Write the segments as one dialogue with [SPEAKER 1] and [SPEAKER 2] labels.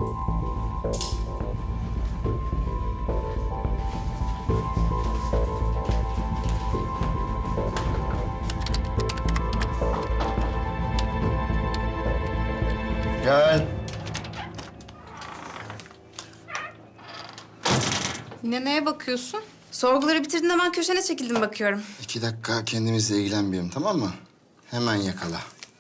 [SPEAKER 1] Gel.
[SPEAKER 2] Yine neye bakıyorsun? Sorguları bitirdin hemen köşene çekildim bakıyorum.
[SPEAKER 1] 2 dakika kendimizle ilgilenmeyelim, tamam mı? Hemen yakala.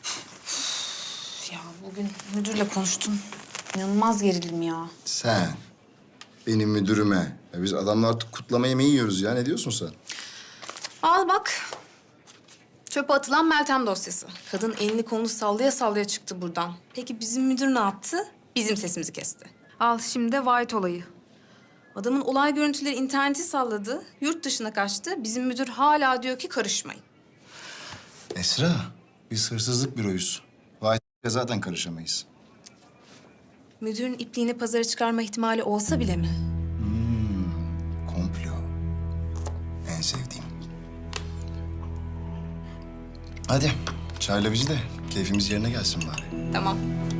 [SPEAKER 2] Ya bugün müdürle konuştum. İnanılmaz gerildim ya.
[SPEAKER 1] Sen benim müdürüme. Ya biz adamla artık kutlama yemeği yiyoruz ya. Ne diyorsun sen?
[SPEAKER 2] Al bak. Çöpe atılan Meltem dosyası. Kadın elini kolunu sallaya sallaya çıktı buradan. Peki bizim müdür ne yaptı? Bizim sesimizi kesti. Al şimdi de White olayı. Adamın olay görüntüleri interneti salladı. Yurt dışına kaçtı. Bizim müdür hala diyor ki karışmayın.
[SPEAKER 1] Esra, biz hırsızlık büroyuz. Vahit'le zaten karışamayız.
[SPEAKER 2] Müdürün ipliğini pazara çıkarma ihtimali olsa bile mi?
[SPEAKER 1] Komplo. En sevdiğim. Hadi çayla bizi de keyfimiz yerine gelsin bari.
[SPEAKER 2] Tamam.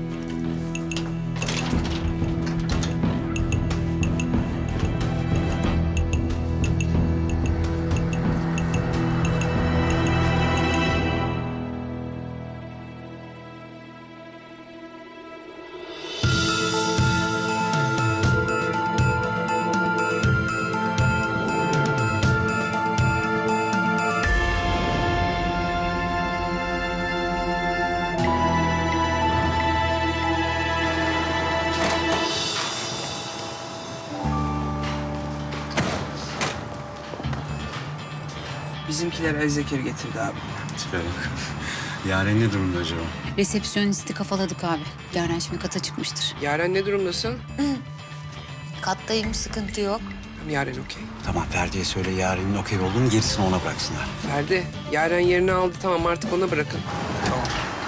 [SPEAKER 3] Bizimkiler El Zekir getirdi abi.
[SPEAKER 4] Tipe bak. Yaren ne durumda acaba?
[SPEAKER 5] Resepsiyonisti kafaladık abi. Yaren şimdi kata çıkmıştır.
[SPEAKER 3] Yaren ne durumdasın?
[SPEAKER 5] Kattayım, sıkıntı yok.
[SPEAKER 3] Tamam, Yaren okey.
[SPEAKER 4] Tamam Ferdi'ye söyle Yaren'in okey olduğunu gerisini ona bıraksınlar.
[SPEAKER 3] Ferdi, Yaren yerini aldı. Tamam, artık ona bırakın. Tamam.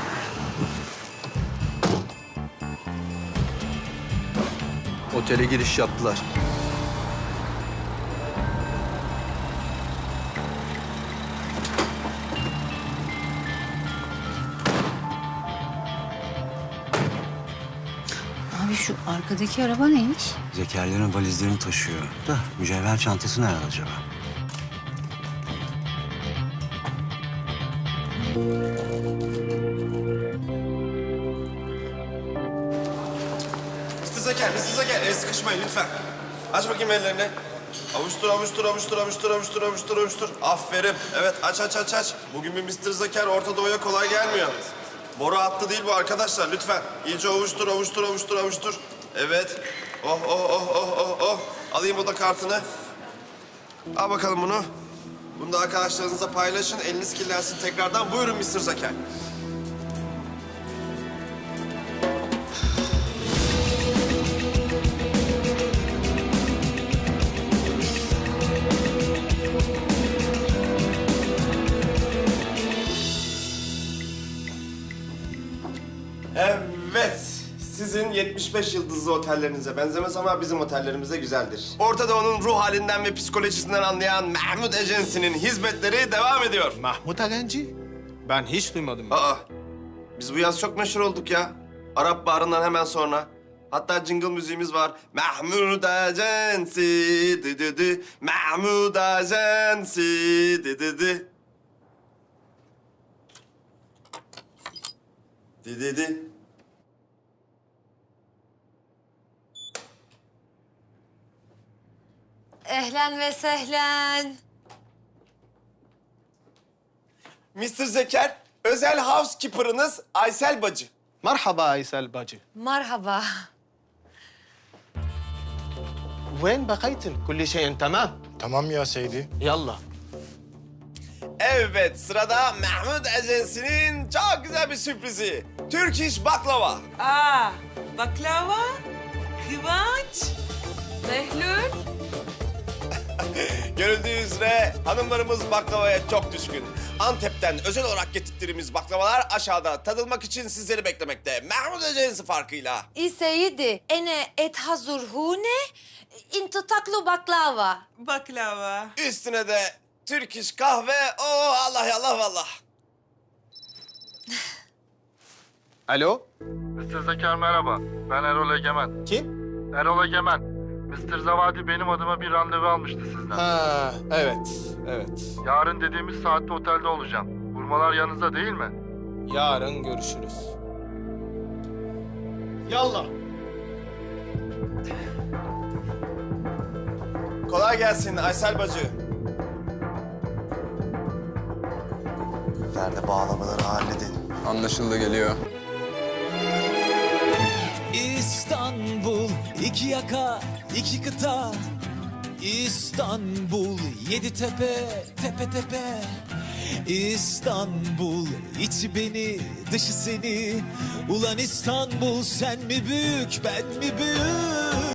[SPEAKER 6] Otele giriş yaptılar.
[SPEAKER 5] Abi şu arkadaki araba neymiş?
[SPEAKER 4] Zekerlerin valizlerini taşıyor. Da mücevher çantası nerede acaba?
[SPEAKER 7] Mr. Zeker, el sıkışmayın lütfen. Aç bakayım ellerini. Avuştur, avuştur, avuştur, avuştur, avuştur, avuştur, avuştur. Aferin. Evet, aç, aç, aç, aç. Bugün bir Mr. Zeker Orta Doğu'ya kolay gelmiyor. Boru hattı değil bu arkadaşlar, lütfen. İyice avuştur, avuştur, avuştur, avuştur. Evet. Oh, oh, oh, oh, oh, oh. Alayım o da kartını. Al bakalım bunu. Bunu da arkadaşlarınızla paylaşın. Eliniz kirlensin tekrardan. Buyurun Mr. Zeker. Evet. Sizin 75 yıldızlı otellerinize benzemez ama bizim otellerimize güzeldir. Orta Doğu'nun ruh halinden ve psikolojisinden anlayan Mahmut Agency'nin hizmetleri devam ediyor.
[SPEAKER 6] Mahmut Agenci? Ben hiç duymadım.
[SPEAKER 7] Aa, biz bu yaz çok meşhur olduk ya. Arap Baharı'ndan hemen sonra. Hatta jingle müziğimiz var. Mahmut Agency, dı dı dı. Mahmut Agency, dı dı dı. Dı dı dı.
[SPEAKER 8] Ehlen ve sehlen.
[SPEAKER 7] Mr. Zeker, özel housekeeper'ınız Aysel Bacı.
[SPEAKER 6] Merhaba Aysel bacı.
[SPEAKER 8] Merhaba.
[SPEAKER 6] وين بقيتن؟ كل شيء تمام؟
[SPEAKER 9] Tamam ya Seydi.
[SPEAKER 6] يلا.
[SPEAKER 7] Evet, sırada Mahmut Agency'nin çok güzel bir sürprizi. Türk iş baklava.
[SPEAKER 10] Aa, baklava, Kıvanç, Behlül.
[SPEAKER 7] Görüldüğü üzere hanımlarımız baklavaya çok düşkün. Antep'ten özel olarak getirttiğimiz baklavalar aşağıda tadılmak için sizleri beklemekte. Mahmut Agency farkıyla.
[SPEAKER 8] İseyidi, ene et hazır hune, into taklu baklava.
[SPEAKER 10] Baklava.
[SPEAKER 7] Üstüne de Türk iş kahve. Oh Allah ya Allah vallahi.
[SPEAKER 6] Alo?
[SPEAKER 9] Mr. Zeker merhaba. Ben Erol Egemen.
[SPEAKER 6] Kim?
[SPEAKER 9] Erol Egemen. Mr. Zavadi benim adıma bir randevu almıştı sizden.
[SPEAKER 6] Ha, evet, evet.
[SPEAKER 9] Yarın dediğimiz saatte otelde olacağım. Vurmalar yanınızda değil mi?
[SPEAKER 6] Yarın görüşürüz. Yallah.
[SPEAKER 7] Kolay gelsin Aysel bacı.
[SPEAKER 1] Ferdi bağlamaları halledin.
[SPEAKER 3] Anlaşıldı, geliyor.
[SPEAKER 11] İstanbul, iki yaka, iki kıta. İstanbul, yedi tepe, tepe tepe. İstanbul, içi beni, dışı seni. Ulan İstanbul, sen mi büyük, ben mi büyük?